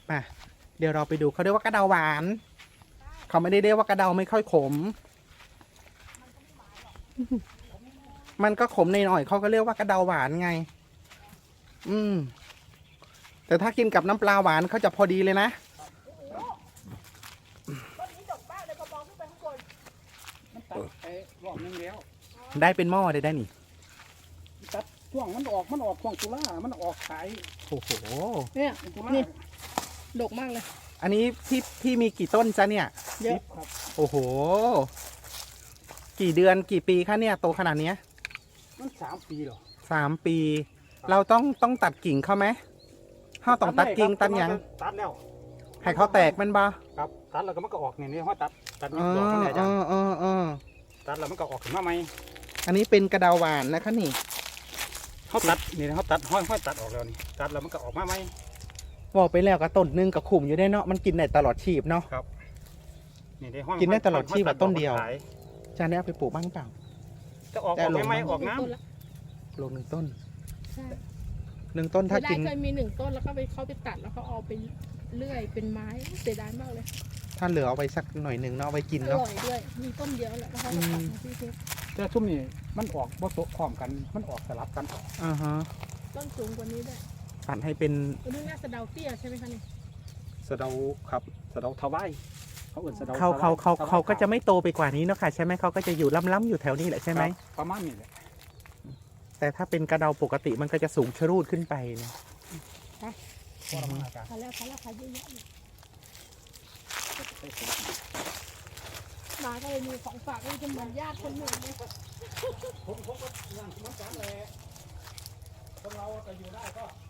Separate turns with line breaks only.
มาเดี๋ยวเราไปดูเขาเรียกว่ากระเดาหวานเขาไม่ได้เรียกว่ากระเดาไม่ค่อยขมมันก็ขมหน่อยๆเขาก็เรียกว่ากระเดาหวานไงแต่ถ้ากินกับน้ำปลาหวานเขาจะพอดีเลยนะได้เป็นหม้อได้นี่
ตัดช่วงมันออกช่วงตุลามันออกขาย
โอ้โห
เนี่ยนี่ดกมากเลย
อันนี้พี่มีกี่ต้นจ๊ะเนี่ย
เยอะ
ครับ
โอ้โหกี่เดือนกี่ปีคะเนี่ยโตขนาดนี้
มัน3 ปีหรอ
3 ปีเราต้องตัดกิ่งเขาไหมห้าต้องตัดกิ่งตัดยัง
ตัดแล้ว
ให้เขาแตกมันบ้า
ครับตัดแล้วก็มันก็ออกเนี่ยห้อยตัดนี่ดอกมันเนี่ยจ้ะตัดแล้วมันก็ออกขึ้นมาใหม่
อันนี้เป็นกระเดาหวานนะคะนี่
เขาตัดนี่เขาตัดห้อยตัดออกแล้วนี่ตัดแล้วมันก็ออกมาใหม่
บอกไปแล้วก็ต้นนึงกับขุ่มอยู่ได้เนาะมันกินได้ตลอดชีพเนาะ
ครับนี่ได้ห้อย
กินได้ตลอดชีพแบบต้นเดียวจานนี้เอาไปปลูกบ้างเปล่า
จะออกไม่ออกน้
ำลง1 ต้น1 ต้นถ้ากิน
เคยมี1 ต้นแล้วก็เขาไปตัดแล้วเขาเอาไปเลื่อยเป็นไม้เสียดายมากเลย
ถ้าเหลือเอาไปสักหน่อยหนึ่งเนาะเอาไปกินเนาะ
อร่อยด้วยมีต้นเดียวแหละแล้วเขาตัดมาที่เทป
แต่ชุ่มนี่มันออกบ่โตพร้อมกันมันออกสลับกัน
ต้นสูงกว่านี้ได้
ตัดให้เป็น
นี่น่าสะเดาเตี้ยใช่ไหมคะนี่
สะเดาครับสะเดาทวายเขาอื่นสะเดา
เขาก็จะไม่โตไปกว่านี้เนาะค่ะใช่ไหมเขาก็จะอยู่ล้ำๆอยู่แถวนี้แหละใช่ไหม
ประมาณนี้แหละ
แต่ถ้าเป็นกระเดาปกติมันก็จะสูงชะรูดขึ้นไปนะ
พอแล้วขายเยอะๆมาก็เลยมีของฝากให้จะเหมือนญาติคนหนึ่งเลย
ผมก็นั่งมันกันแหละคนเราจะอยู่ได้ก็